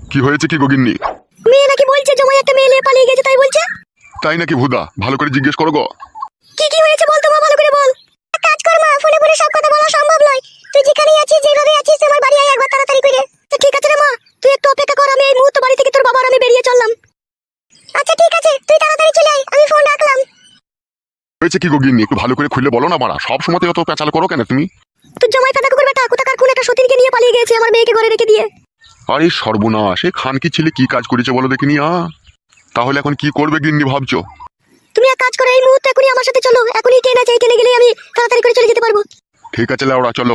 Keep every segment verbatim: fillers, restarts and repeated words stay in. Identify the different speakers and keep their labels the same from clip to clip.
Speaker 1: কি হয়েছে কি গগিন্নি?
Speaker 2: মেয়ে নাকি বলছে জমাই একটা মেয়ে নিয়ে পালিয়ে গেছে, তাই বলছে।
Speaker 1: তাই নাকি ভুদা? ভালো করে জিজ্ঞেস করো গো।
Speaker 2: কি কি হয়েছে বল তো মা, ভালো করে বল। এক কাজ কর মা, ফোনে ফোনে সব কথা বলা সম্ভব নয়। তুই যেখানেই আছিস, যেভাবে আছিস, আমার বাড়ি আয় একবার তাড়াতাড়ি করে। তো ঠিক আছে রে মা, তুই একটু অপেক্ষা কর, আমি এই মুহূর্তে বাড়ি থেকে তোর বাবা আর আমি বেরিয়ে চললাম। আচ্ছা ঠিক আছে, তুই তাড়াতাড়ি চলে আয়, আমি ফোন রাখলাম।
Speaker 1: হয়েছে কি গগিন্নি? একটু ভালো করে খুলে বলো না মারা, সব সময় অত পেঁচাল করো কেন তুমি?
Speaker 2: তোর জমাই ফাদা কুকুর বেটা কোথাকার কোন একটা সতীনকে নিয়ে পালিয়ে গেছে, আমার মেয়েকে ঘরে রেখে দিয়ে।
Speaker 1: আরে সর্বনাশ, এই খানকি ছেলে কি কাজ করেছে বলো দেখিনি। আ তাহলে এখন কি করবে গিন্নি ভাবছো?
Speaker 2: তুমি এক কাজ করো, এই মুহূর্তে এখনই আমার সাথে চলো, এখনই ট্রেন আছে, এই ট্রেনে গেলেই আমি তাড়াতাড়ি করে চলে যেতে পারবো।
Speaker 1: ঠিক আছে লাউড়া, চলো।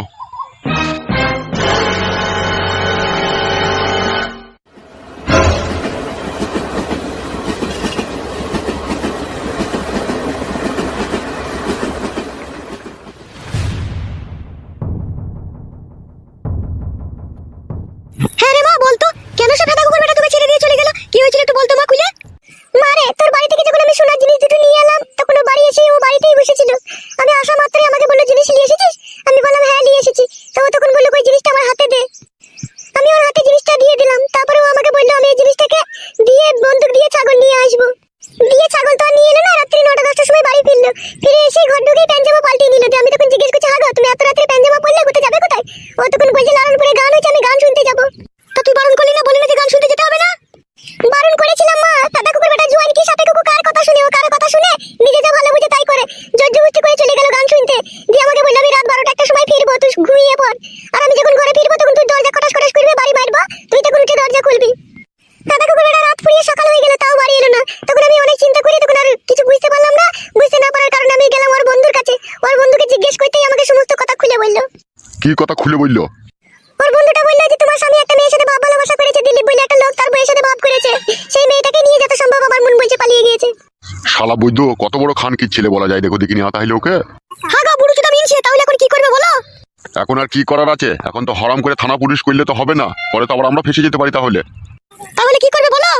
Speaker 2: হ্যাঁ রে মা, বলতো কেন সে ফাদা কুকুর বেটা তোকে ছেড়ে দিয়ে চলে গেল? কি হয়েছিল একটু বলতো মা খুলে। মারে, তোর বাড়ি থেকে যখন আমি সোনার জিনিস দুটো নিয়ে এলাম, তখন ও বাড়ি এসে ও বাড়িতেই বসেছিল। আমি আসা মাত্রই আমাকে বললো, জিনিস নিয়ে এসেছিস? আমি বললাম হ্যাঁ নিয়ে এসেছি। তো ও তখন বললো, ওই জিনিসটা আমার হাতে দে। আমি ওর হাতে জিনিসটা দিয়ে দিলাম। তারপরে ও আমাকে বললো আমি এই জিনিসটাকে দিয়ে বন্দুক দিয়ে ছাগল নিয়ে আসবো। দিয়ে ছাগল তো আর নিয়ে এলো না, রাত্রি নটা দশটার সময় বাড়ি ফিরলো। ফিরে এসে ঘর ঢুকেই প্যান্ট পাল্টিয়ে নিল। আমি তখন জিজ্ঞেস করছি, হাগো তুমি এত রাত্রে প্যান্ট জামা পরলে, কোথায় যাবে কোথায়? ও তখন বলছে লালনপুরে গান হয়েছে, আমি গান শুনতে যাবো। তা তুই বারণ করলি না, বলি না যে গান শুনতে যেতে হবে না? বারণ করেছিলাম মা, দাদা কুকুর বেটা জুয়ান কি সাপে কুকুর কার কথা শুনে, ও কার কথা শুনে নিজে যা ভালো বুঝে তাই করে। জোরজবস্তি করে চলে গেল গান শুনতে। দিয়ে আমাকে বললো আমি রাত বারোটা একটা সময় ফিরবো, তুই ঘুমিয়ে পড়। আর আমি যখন ঘরে ফিরবো তখন তুই দরজা খটাস খটাস করবি, বাড়ি মারবো, তুই তখন উঠে দরজা খুলবি। দাদা কুকুর বেটা রাত ফুরিয়ে সকাল হয়ে গেল, তাও বাড়ি এলো না। তখন আমি অনেক চিন্তা করি, তখন আর কিছু বুঝতে পারলাম না। বুঝতে না পারার কারণে আমি গেলাম ওর বন্ধুর কাছে। ওর বন্ধুকে জিজ্ঞেস করতেই আমাকে সমস্ত কথা খুলে বললো।
Speaker 1: কি কথা খুলে বললো?
Speaker 2: ওর বন্ধুটা বললো যে তোমার স্বামী একটা মেয়ের সাথে ভাব ভালোবাসা করেছে, দিলীপ বলে একটা লোক, তার বউয়ের সাথে ভাব করেছে। সেই মেয়েটাকে নিয়ে যত সম্ভব আমার মন বলছে পালিয়ে গিয়েছে।
Speaker 1: শালা বৈদ্য, কত বড় খানকির ছেলে বলা যায় দেখো দেখিনি। তাহলে ওকে
Speaker 2: হাগা বুড়ো চোদা মিনছে, তাহলে এখন কি করবে বলো?
Speaker 1: এখন আর কি করার আছে? এখন তো হরাম করে থানা পুলিশ করলে তো হবে না, পরে তো আবার আমরা ফেসে যেতে পারি। তাহলে
Speaker 2: তাহলে কি করবে বলো?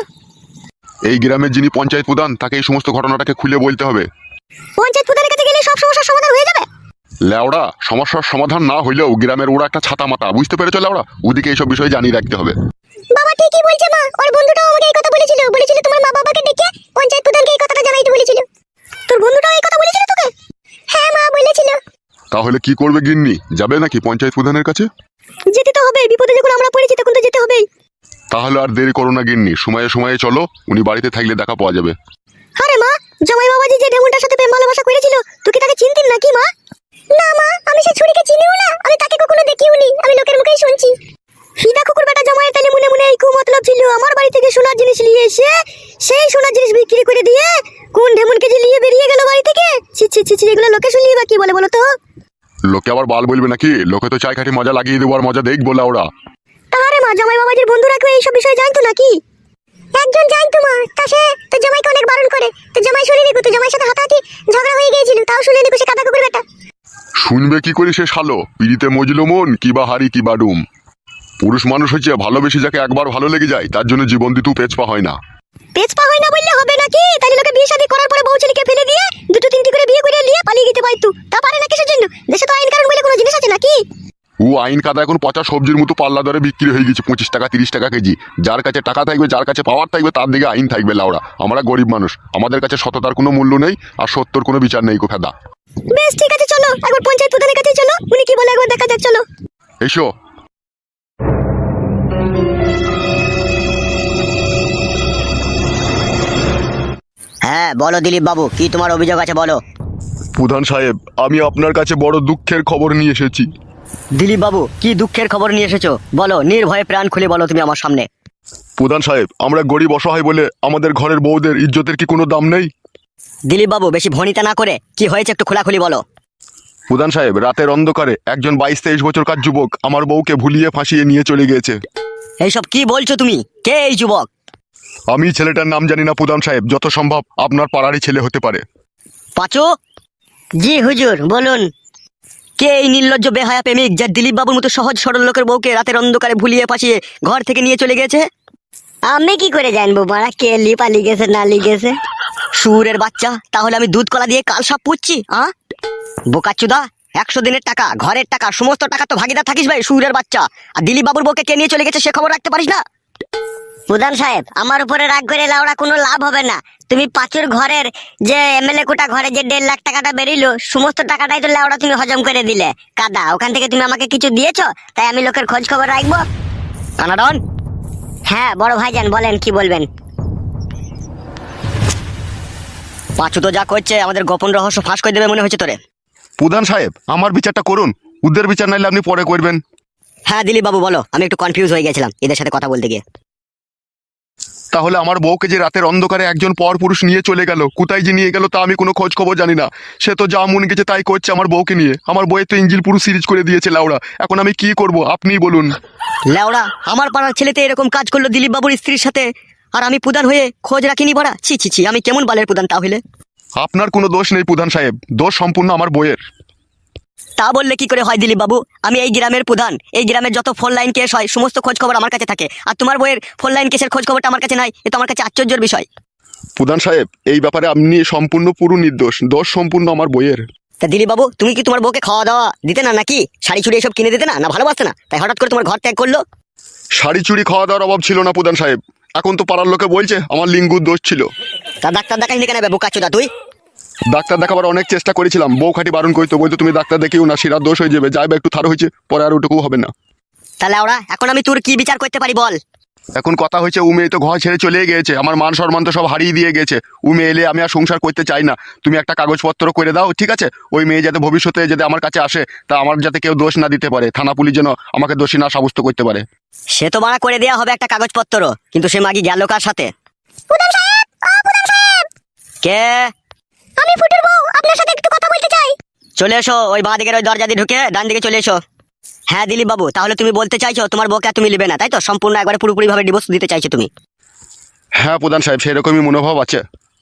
Speaker 1: এই গ্রামের যিনি পঞ্চায়েত প্রধান, তাকে এই সমস্ত ঘটনাটাকে খুলে বলতে হবে।
Speaker 2: পঞ্চায়েত প্রধানের কাছে গেলে সব সমস্যার সমাধান হয়ে যাবে?
Speaker 1: লেওড়া, সমস্যার সমাধান না হইলেও গ্রামের ওরা একটা ছাতা মাতা, বুঝতে পেরেছো লেওড়া? ওদিকে এইসব বিষয়ে জানিয়ে রাখতে হবে।
Speaker 2: বাবা ঠিকই বলছে মা, ওর বন্ধুটাও আমাকে এই কথা বলেছিল। বলেছিল তোমার মা বাবাকে ডেকে পঞ্চায়েত প্রধানকে এই কথাটা জানাইতে বলেছিল। তোর বন্ধুটাও এই কথা বলেছিল তোকে? হ্যাঁ মা বলেছিল।
Speaker 1: তাহলে কি করবে গিন্নি? যাবে নাকি পঞ্চায়েত প্রধানের কাছে?
Speaker 2: যেতে তো হবে, বিপদে যখন আমরা পড়েছি তখন তো যেতে হবেই।
Speaker 1: তাহলে আর দেরি করো না গিন্নি, সময়ে সময়ে চলো, উনি বাড়িতে থাকলে দেখা পাওয়া যাবে।
Speaker 2: আরে মা, জামাই বাবাজি যে ডেমনটার সাথে প্রেম ভালোবাসা করেছিল, তুই কি তাকে চিনতিস নাকি মা? না মা, আমি সে ছুরিকে চিনিও না, আমি তাকে কখনো দেখিওনি, আমি লোকের মুখেই শুনছি। হিদা কুকুর বেটা জামাইয়ের তালে মনে মনে এই কুমতলব ছিল, আমার বাড়ি থেকে সোনার জিনিস নিয়ে এসে সেই সোনার জিনিস বিক্রি করে দিয়ে কোন ঢেমনকে যে নিয়ে বেরিয়ে গেল বাড়ি থেকে। ছি ছি ছি ছি, এগুলো লোকে শুনলিয়ে বা কি বলে বলো তো?
Speaker 1: লোকে আবার বাল বলবে নাকি? লোকে তো চাই খাটি মজা লাগিয়ে দেবো, আর মজা দেখবো ওরা।
Speaker 2: তাহারে মা, জামাই বাবাজির বন্ধুরা কেউ এইসব বিষয়ে জানতো নাকি? একজন জানতো মা, তা সে তো জামাইকে অনেক বারণ করে। তো জামাই শুনে নিকো, তো জামাইয়ের সাথে হাতাহাতি ঝগড়া হয়ে গিয়েছিল, তাও শুনে নিকো সে কাদা কুকুর বেটা।
Speaker 1: শুনবে কি করে সে শালো? পিড়িতে মজলো মন, কিবা হারি কিবা ডুম। পুরুষ মানুষ হচ্ছে ভালোবেসে যাকে একবার ভালো লেগে যায়, তার জন্য জীবন দিতেও পেছপা হয় না।
Speaker 2: পেছপা হয় না বললে হবে নাকি? তাহলে লোকে বিয়ে শাদী করার পরে বউ ছেলেকে ফেলে দিয়ে দুটো তিনটি করে বিয়ে করে নিয়ে পালিয়ে যেতে পারতো। তা পারে না কিসের জন্য? দেশে তো আইন কানুন বলে কোনো জিনিস আছে নাকি?
Speaker 1: ও আইন কাদা এখন পচা সবজির মতো পাল্লা দরে বিক্রি হয়ে গেছে, পঁচিশ টাকা তিরিশ টাকা কেজি। যার কাছে টাকা থাকবে, যার কাছে পাওয়ার থাকবে, তার দিকে আইন থাকবে লাউড়া। আমরা গরিব মানুষ, আমাদের কাছে সততার কোনো মূল্য নেই, আর সত্যর কোনো বিচার নেই গো ফেদা।
Speaker 2: বেশ ঠিক আছে, চলো একবার পঞ্চায়েত প্রধানের কাছে চলো, উনি কি বলে একবার দেখা যাক, চলো।
Speaker 1: এসো।
Speaker 3: হ্যাঁ বলো দিলীপ বাবু, কি তোমার অভিযোগ আছে বলো।
Speaker 1: প্রধান সাহেব, আমি আপনার কাছে বড় দুঃখের খবর নিয়ে এসেছি।
Speaker 3: দিলীপ বাবু, কি দুঃখের খবর নিয়ে এসেছো বলো, নির্ভয়ে প্রাণ খুলে বলো তুমি আমার সামনে।
Speaker 1: প্রধান সাহেব, আমরা গরিব অসহায় বলে আমাদের ঘরের বউদের ইজ্জতের কি কোনো দাম নেই?
Speaker 3: দিলীপ বাবু, বেশি ভনিতা না করে কি হয়েছে একটু খোলাখুলি বলো।
Speaker 1: প্রধান সাহেব, রাতের অন্ধকারে একজন বাইশ তেইশ বছরকার যুবক আমার বউকে ভুলিয়ে ফাঁসিয়ে নিয়ে চলে গিয়েছে।
Speaker 3: এইসব কি বলছো তুমি? কে এই যুবক?
Speaker 1: আমি ছেলেটার নাম জানি না প্রধান সাহেব, যত সম্ভব আপনার পাড়ারই ছেলে হতে পারে।
Speaker 3: পাঁচু। জি হুজুর বলুন। কে এই নির্লজ্জ বেহায়া প্রেমিক যে দিলীপ বাবুর মতো সহজ সরল লোকের বউকে রাতের অন্ধকারে ভুলিয়ে ফাঁসিয়ে ঘর থেকে নিয়ে চলে গেছে?
Speaker 2: আমি কি করে জানবো মারা কে লি পালিয়ে গেছে না লিগেছে?
Speaker 3: সুরের বাচ্চা, তাহলে আমি দুধ কলা দিয়ে কাল সাপ পুচ্ছি? হ্যাঁ বোকাচুদা, একশো দিনের টাকা, ঘরের টাকা, সমস্ত টাকা তো ভাগিদার থাকিস ভাই সুরের বাচ্চা। আর দিলীপ বাবুর বউকে কে নিয়ে চলে গেছে সে খবর রাখতে পারিস না?
Speaker 2: প্রধান সাহেব, আমার উপরে রাগ করে লাউড়া কোনো লাভ হবে না। তুমি পাঁচুর ঘরের যে এমএলএ কোটা ঘরে যে দেড় লাখ টাকাটা বেরিলো, সমস্ত টাকাটাই তো লাউড়া তুমি হজম করে দিলে। কাদা, ওখান থেকে তুমি আমাকে কিছু দিয়েছো, তাই আমি লোকের খোঁজ খবর রাখবো।
Speaker 3: কানাডন,
Speaker 2: হ্যাঁ বড় ভাইজান, বলেন কি বলবেন।
Speaker 3: পাঁচু তো যা করছে আমাদের গোপন রহস্য ফাঁস করে দেবে মনে হচ্ছে তোরে।
Speaker 1: প্রধান সাহেব, আমার বিচারটা করুন, ওদের বিচার নাইলে আপনি পরে করবেন।
Speaker 3: হ্যাঁ দিলীপ বাবু বলো, আমি একটু কনফিউজ হয়ে গেছিলাম এদের সাথে কথা বলতে গিয়ে।
Speaker 1: তাহলে আমার বউকে যে রাতের অন্ধকারে একজন পর পুরুষ নিয়ে চলে গেল, কোথায় যে নিয়ে গেল তা আমি কোনো খোঁজ খবর জানি না। সে তো যা মন গেছে তাই করছে আমার বউকে নিয়ে। আমার বউয়ের তো ইঞ্জিল পুরো সিরিজ করে দিয়েছে লাউড়া। এখন আমি কি করব আপনিই বলুন।
Speaker 3: লেওড়া, আমার পাড়ার ছেলেতে এরকম কাজ করলো দিলীপ বাবুর স্ত্রীর সাথে, আর আমি প্রধান হয়ে খোঁজ রাখিনি বড়া। ছি ছি ছি, আমি কেমন বালের প্রধান তাহলে?
Speaker 1: আপনার কোনো দোষ নেই প্রধান সাহেব, দোষ সম্পূর্ণ আমার বউয়ের।
Speaker 3: তা বললে কি করে হয় দিলীপ বাবু? আমি এই গ্রামের প্রধান, এই গ্রামের যত ফোন লাইন কেস হয় সমস্ত খোঁজ খবর আমার কাছে থাকে, আর তোমার বইয়ের ফোন লাইন কেসের খোঁজ খবরটা আমার কাছে নাই। এ তো আমার কাছে আশ্চর্যের বিষয়।
Speaker 1: প্রধান সাহেব, এই ব্যাপারে আপনি সম্পূর্ণ পুরো নির্দোষ, দোষ সম্পূর্ণ আমার বইয়ের।
Speaker 3: তা দিলীপ বাবু, তুমি কি তোমার বউকে খাওয়া দাওয়া দিতে না নাকি? শাড়ি চুড়ি এসব কিনে দিতে না, না ভালোবাসতে না, তাই হঠাৎ করে তোমার ঘর ত্যাগ করলো?
Speaker 1: শাড়ি চুড়ি খাওয়া দাওয়ার অভাব ছিল না প্রধান সাহেব। এখন তো পাড়ার লোকে বলছে আমার লিঙ্গুর দোষ ছিল।
Speaker 3: তা ডাক্তার দেখাইনি কেন বোকা চোদা তুই?
Speaker 1: ডাক্তার দেখাবার অনেক চেষ্টা করেছিলাম, বউ খাটি বারণ করতো, বলতো তুমি ডাক্তার দেখিও না, শিরার দোষ হয়ে যাবে, যাইবা একটু থার হয়েছে, পরে আর ওটুকু হবে না।
Speaker 3: তাহলে ওরা এখন আমি তোর কি বিচার করতে পারি বল?
Speaker 1: এখন কথা হয়েছে ও মেয়ে তো ঘর ছেড়ে চলে গিয়েছে, আমার মান সম্মান তো সব হারিয়ে দিয়ে গেছে। ও মেয়ে এলে আমি আর সংসার করতে চাই না। তুমি একটা কাগজপত্র করে দাও, ঠিক আছে? ওই মেয়ে যাতে ভবিষ্যতে যাতে আমার কাছে আসে, তা আমার যাতে কেউ দোষ না দিতে পারে, থানা পুলিশ যেন আমাকে দোষী না সাব্যস্ত করতে পারে।
Speaker 3: সে তো মানা করে দেওয়া হবে একটা কাগজপত্র, কিন্তু সে মাগি গেল কার সাথে?
Speaker 2: প্রধান সাহেব, ও প্রধান সাহেব,
Speaker 3: কে?
Speaker 2: আমি ফুটুর বউ, আপনার সাথে একটু কথা বলতে চাই।
Speaker 3: চলে এসো, ওই বাঁ দিকের ওই দরজা দিয়ে ঢুকে ডান দিকে চলে এসো। হ্যাঁ দিলীপ বাবু, তাহলে তুমি বলতে চাইছো তোমার বউকে আর তুমি নেবে না, তাই তো? সম্পূর্ণ একবারে পুরোপুরি ভাবে ডিভোর্স দিতে চাইছো তুমি?
Speaker 1: হ্যাঁ প্রধান সাহেব, সেরকমই মনোভাব আছে।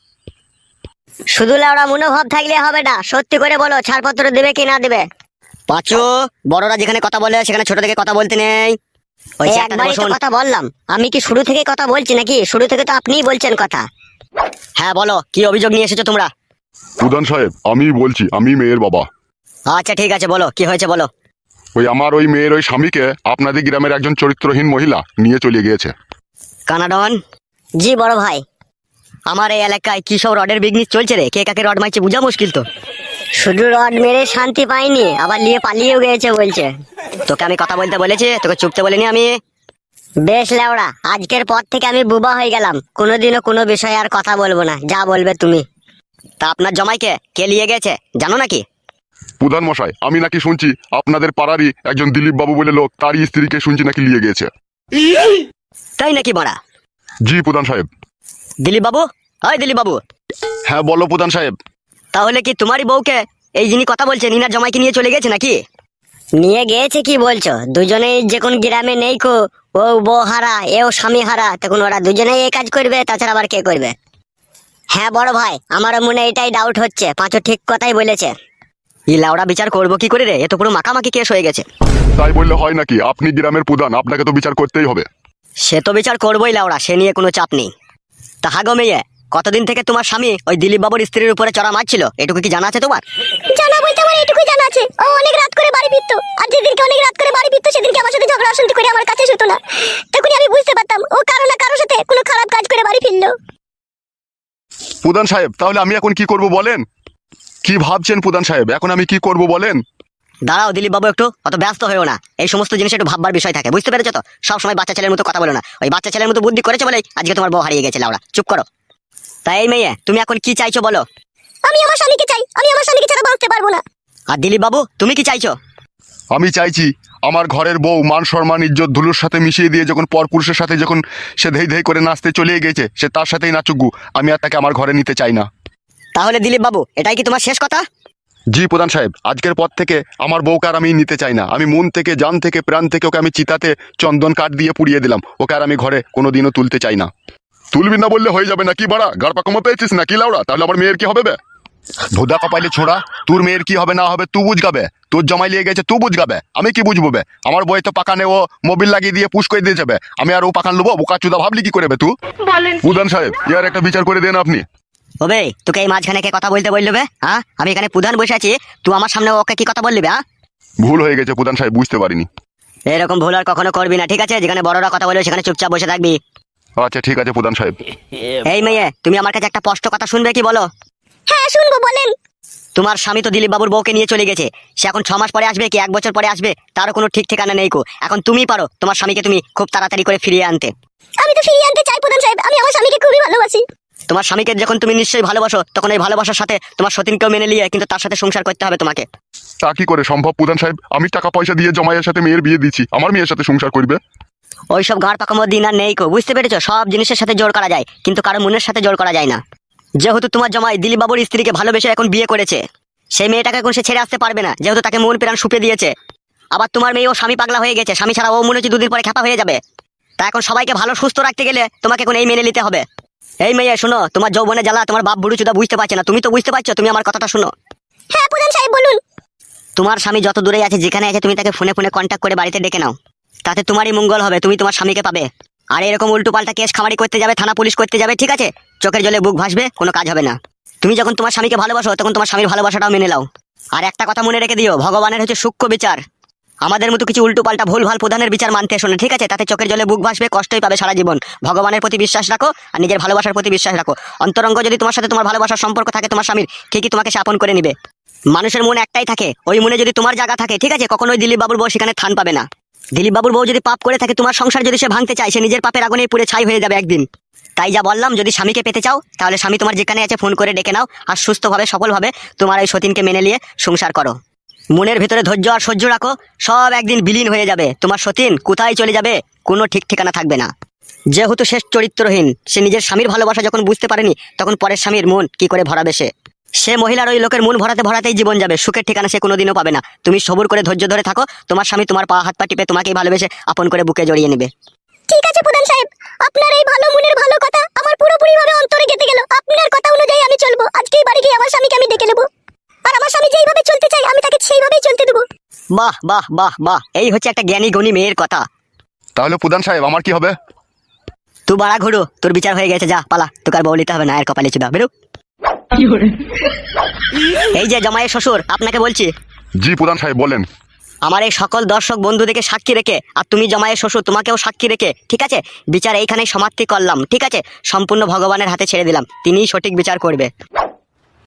Speaker 2: শুধু লাউড়া মনোভাব থাকলে হবে না, সত্যি করে বলো ছাড়পত্র দেবে কি না দেবে।
Speaker 3: পাঁচু, বড়রা যেখানে কথা বলে সেখানে ছোট থেকে কথা বলতে নেই। ওই
Speaker 2: এই
Speaker 3: চেয়ারটাতে
Speaker 2: একবারই তো
Speaker 3: বসুন।
Speaker 2: কথা বললাম, আমি কি শুরু থেকে কথা বলছি নাকি? শুরু থেকে তো আপনিই বলছেন কথা।
Speaker 3: হ্যাঁ বলো, কি অভিযোগ নিয়ে এসেছো তোমরা?
Speaker 1: প্রধান সাহেব, আমি বলছি, আমি মেয়ের বাবা।
Speaker 3: আচ্ছা ঠিক আছে, বলো কি হয়েছে বলো।
Speaker 1: ওই আমার ওই মেয়ের ওই স্বামীকে আপনাদের গ্রামের একজন চরিত্রহীন মহিলা নিয়ে চলে গিয়েছে।
Speaker 3: কানাডন,
Speaker 2: জি বড় ভাই।
Speaker 3: আমার এই এলাকায় কি সব রডের বিজনেস চলছে রে? কে কাকে রড মারছে বোঝা মুশকিল তো।
Speaker 2: শুধু রড মেরে শান্তি পাইনি, আবার নিয়ে পালিয়েও গেছে বলছে।
Speaker 3: তোকে আমি কথা বলতে বলেছি, তোকে চুপতে বলিনি আমি।
Speaker 2: বেশ লেওড়া, আজকের পর থেকে আমি বুবা হয়ে গেলাম, কোনোদিনও কোনো বিষয়ে আর কথা বলবো না, যা বলবে তুমি।
Speaker 3: তা আপনার জামাইকে কে নিয়ে গেছে জানো নাকি?
Speaker 1: প্রধান মশাই, আমি নাকি শুনছি আপনাদের পাড়ারই একজন দিলীপ বাবু বলে লোক, তারই স্ত্রীকে শুনছি নাকি নিয়ে গিয়েছে।
Speaker 3: তাই নাকি বড়া?
Speaker 1: জি প্রধান সাহেব।
Speaker 3: দিলীপ বাবু, হয় দিলীপ বাবু,
Speaker 1: হ্যাঁ বলো প্রধান সাহেব।
Speaker 3: তাহলে কি তোমারই বউকে এই যিনি কথা বলছেন ইনার জামাইকে নিয়ে চলে গেছে নাকি?
Speaker 2: নিয়ে গেছে কি বলছো? দুজনেই যে কোন গ্রামে নেই কো, ও বউ হারা এও স্বামী হারা, তখন ওরা দুজনেই এই কাজ করবে, তাছাড়া আবার কে করবে? হ্যাঁ বড় ভাই, আমারও মনে এটাই ডাউট হচ্ছে, পাঁচু ঠিক কথাই বলেছে।
Speaker 3: ই লাউড়া বিচার করবো কি করে রে? এ তো পুরো মাখামাখি কেস হয়ে গেছে।
Speaker 1: তাই বললে হয় নাকি? আপনি গ্রামের প্রধান, আপনাকে তো বিচার করতেই হবে।
Speaker 3: সে তো বিচার করবোই লাউড়া, সে নিয়ে কোনো চাপ নেই। তা হাগো মেয়ে, কতদিন থেকে তোমার স্বামী ওই দিলীপ বাবুর স্ত্রীর উপরে চড়া মারছিল, এটুকু কি জানা আছে তোমার?
Speaker 2: জানা বলতে আমার এটুকুই জানা আছে, ও অনেক রাত করে বাড়ি ফিরতো, আর যেদিনকে অনেক রাত করে বাড়ি ফিরতো সেদিনকে আমার সাথে ঝগড়া অশান্তি করে আমার কাছে শুতো না। তখনই আমি বুঝতে পারতাম ও কারো না কারোর সাথে কোনো খারাপ কাজ করে বাড়ি ফিরলো।
Speaker 1: প্রধান সাহেব, তাহলে আমি এখন কি করব বলেন? কি ভাবছেন প্রধান সাহেব, এখন আমি কি করব বলেন?
Speaker 3: দাঁড়াও দিলীপ বাবু, একটু অত ব্যস্ত হয়েও না, এই সমস্ত জিনিস একটু ভাববার বিষয় থাকে, বুঝতে পেরেছো তো? সবসময় বাচ্চা ছেলের মতো কথা বলো না, ওই বাচ্চা ছেলের মতো বুদ্ধি করেছে বলেই আজকে তোমার বউ হারিয়ে গেছে লাউড়া। চুপ করো। তাই এই মেয়ে, তুমি এখন কি চাইছো বলো?
Speaker 2: আমি আমার স্বামীকে চাই, আমি আমার স্বামীকে ছাড়া বাঁচতে পারবো না।
Speaker 3: আর দিলীপ বাবু, তুমি কি চাইছো?
Speaker 1: আমি চাইছি আমার ঘরের বউ মান সম্মান ইজ্জত ধুলোর সাথে মিশিয়ে দিয়ে যখন পরপুরুষের সাথে যখন সে ধেই ধেই করে নাচতে চলে গেছে, সে তার সাথেই নাচুকু, আমি আর তাকে আমার ঘরে নিতে চাই না।
Speaker 3: তাহলে দিলীপ বাবু, এটাই কি তোমার শেষ কথা?
Speaker 1: জি প্রধান সাহেব, আজকের পর থেকে আমার বউকে আর আমি নিতে চাই না। আমি মন থেকে, জান থেকে, প্রাণ থেকে ওকে আমি চিতাতে চন্দন কাঠ দিয়ে পুড়িয়ে দিলাম। ওকে আর আমি ঘরে কোনোদিনও তুলতে চাই না। তুলবি না বললে হয়ে যাবে নাকি বাড়া? গাড় পাকামো পেয়েছিস নাকি লাউড়া? তাহলে আমার মেয়ের কি হবে বে? ধোদা কপাইলে ছোড়া, তোর মেয়ের কি হবে না হবে তুই বুঝগাবে। তোর জমাই লিয়ে গেছে তুই বুঝগাবে, আমি কি বুঝবো বে? আমার বই তো পাকানে ও মোবিল লাগিয়ে দিয়ে পুশ করে দিয়ে যাবে, আমি আর ও পাকান লবো? বোকা চুদা ভাবলি কি করে বে তুই? প্রধান সাহেব, ইয়ার একটা বিচার করে দেন আপনি।
Speaker 3: ওবে, তোকে এই মাঝখানে কে কথা বলতে বললো বে? হ্যাঁ, আমি এখানে প্রধান বসে আছি, তুই আমার সামনে ওকে কি কথা বললি বে? হ্যাঁ,
Speaker 1: ভুল হয়ে গেছে প্রধান সাহেব, বুঝতে পারিনি।
Speaker 3: এরকম ভুল আর কখনো করবি না, ঠিক আছে? যেখানে বড়রা কথা বলবে সেখানে চুপচাপ বসে থাকবি।
Speaker 1: আচ্ছা ঠিক আছে প্রধান সাহেব।
Speaker 3: এই মেয়ে, তুমি আমার কাছে একটা স্পষ্ট কথা শুনবে কি বলো?
Speaker 2: হ্যাঁ শুনবো, বলেন।
Speaker 3: তোমার স্বামী তো দিলীপ বাবুর বউকে নিয়ে চলে গেছে। সে এখন ছ মাস পরে আসবে কি এক বছর পরে আসবে তারও কোনো ঠিক ঠিকানা নেই কো। এখন তুমিই পারো তোমার স্বামীকে তুমি খুব তাড়াতাড়ি করে ফিরিয়ে আনতে।
Speaker 2: আমি তো ফিরিয়ে আনতে চাই প্রধান সাহেব, আমি আমার স্বামীকে খুবই ভালোবাসি।
Speaker 3: তোমার স্বামীকে যখন তুমি নিশ্চয়ই ভালোবাসো, তখন এই ভালোবাসার সাথে তোমার সতীনকেও মেনে নিয়ে কিন্তু তার সাথে সংসার করতে হবে তোমাকে।
Speaker 1: তা কি করে সম্ভব প্রধান সাহেব? আমি টাকা পয়সা দিয়ে জমাইয়ের সাথে মেয়ের বিয়ে দিচ্ছি, আমার মেয়ের সাথে সংসার করবে?
Speaker 3: ওইসব ঘাড় পাকামো দিন আর নেই কো, বুঝতে পেরেছো? সব জিনিসের সাথে জোর করা যায়, কিন্তু কারো মনের সাথে জোর করা যায় না। যেহেতু তোমার জামাই দিলীপ বাবুর স্ত্রীকে ভালোবেসে এখন বিয়ে করেছে, সেই মেয়েটাকে এখন সে ছেড়ে আসতে পারবে না, যেহেতু তাকে মন প্রাণ সুপে দিয়েছে। আবার তোমার মেয়ে ও স্বামী পাগলা হয়ে গেছে, স্বামী ছাড়া ও মনে হচ্ছে দুদিন পরে খ্যাপা হয়ে যাবে। তা এখন সবাইকে ভালো সুস্থ রাখতে গেলে তোমাকে এখন এই মেনে নিতে হবে। এই মেয়ে শোনো, তোমার যৌবনে জ্বালা তোমার বাপ বুড়ো চুদা বুঝতে পারছে না, তুমি তো বুঝতে পারছো। তুমি আমার কথাটা শোনো।
Speaker 2: হ্যাঁ প্রধান সাহেব বলুন।
Speaker 3: তোমার স্বামী যত দূরে আছে, যেখানে আছে, তুমি তাকে ফোনে ফোনে কন্ট্যাক্ট করে বাড়িতে ডেকে নাও। তাতে তোমারই মঙ্গল হবে, তুমি তোমার স্বামীকে পাবে। আর এরকম উল্টো পাল্টা কেস খামারি করতে যাবে, থানা পুলিশ করতে যাবে, ঠিক আছে? চোখের জলে বুক ভাসবে, কোনো কাজ হবে না। তুমি যখন তোমার স্বামীকে ভালোবাসো, তখন তোমার স্বামীর ভালোবাসাটাও মেনে নাও। আর একটা কথা মনে রেখে দিও, ভগবানের হচ্ছে সূক্ষ্ম বিচার। আমাদের মতো কিছু উল্টো পাল্টা ভুল ভাল প্রধানের বিচার মানতে শোনে, ঠিক আছে? তাতে চোখের জলে বুক ভাসবে, কষ্টই পাবে সারা জীবন। ভগবানের প্রতি বিশ্বাস রাখো আর নিজের ভালোবাসার প্রতি বিশ্বাস রাখো। অন্তরঙ্গ যদি তোমার সাথে তোমার ভালোবাসার সম্পর্ক থাকে তোমার স্বামীর, ঠিকই তোমাকে সে আপন করে নিবে। মানুষের মন একটাই থাকে, ওই মনে যদি তোমার জায়গা থাকে, ঠিক আছে, কখনোই দিলীপ বাবুর বউ সেখানে থান পাবে না। দিলীপ বাবুর বউ যদি পাপ করে থাকে, তোমার সংসার যদি সে ভাঙতে চায়, সে নিজের পাপের আগুনে পুড়ে ছাই হয়ে যাবে একদিন। তাই যা বললাম, যদি স্বামীকে পেতে চাও, তাহলে স্বামী তোমার যেখানে আছে ফোন করে ডেকে নাও আর সুস্থভাবে সফলভাবে তোমার এই সতীনকে মেনে নিয়ে সংসার করো। মনের ভিতরে ধৈর্য আর সহ্য রাখো, সব একদিন বিলীন হয়ে যাবে। তোমার সতীন কোথায় চলে যাবে কোনো ঠিক ঠিকানা থাকবে না। যেহেতু শেষ চরিত্রহীন, সে নিজের স্বামীর ভালোবাসা যখন বুঝতে পারেনি, তখন পরের স্বামীর মন কি করে ভরাবে সে? সে মহিলার ওই লোকের মন ভরাতে ভরাতেই জীবন যাবে, সুখের ঠিকানা সে কোনোদিনও পাবে না। তুমি সবুর করে ধৈর্য ধরে থাকো, তোমার স্বামী তোমার পা হাত পা টিপে তোমাকেই ভালোবেসে আপন করে বুকে জড়িয়ে নেবে।
Speaker 2: ঠিক আছে প্রধান সাহেব, আপনার এই ভালো মনের ভালো কথা আমার পুরোপুরি ভাবে অন্তরে গেঁথে গেল। আপনার কথা অনুযায়ী আমি চলবো। আজকেই বাড়ি গিয়ে আমার স্বামীকে আমি ডেকে নেবো, আর আমার স্বামী যেইভাবে চলতে চাই আমি তাকে সেইভাবেই চলতে দেবো।
Speaker 3: বাহ বাহ বাহ বাহ, এই হচ্ছে একটা জ্ঞানী গুণী মেয়ের কথা।
Speaker 1: তাহলে প্রধান সাহেব আমার কি হবে?
Speaker 3: তুই বাড়া ঘুরো, তোর বিচার হয়ে গেছে, যা পালা, তোকে আর বলিতে হবে না। এর কপালে চুদা বেরো। এই যে জামাইয়ের শ্বশুর, আপনাকে বলছি।
Speaker 1: জি প্রধান সাহেব বলেন।
Speaker 3: আমার এই সকল দর্শক বন্ধুদেরকে সাক্ষী রেখে, আর তুমি জামাইয়ের শ্বশুর তোমাকেও সাক্ষী রেখে, ঠিক আছে, বিচার এইখানেই সমাপ্তি করলাম, ঠিক আছে? সম্পূর্ণ ভগবানের হাতে ছেড়ে দিলাম, তিনিই সঠিক বিচার করবে।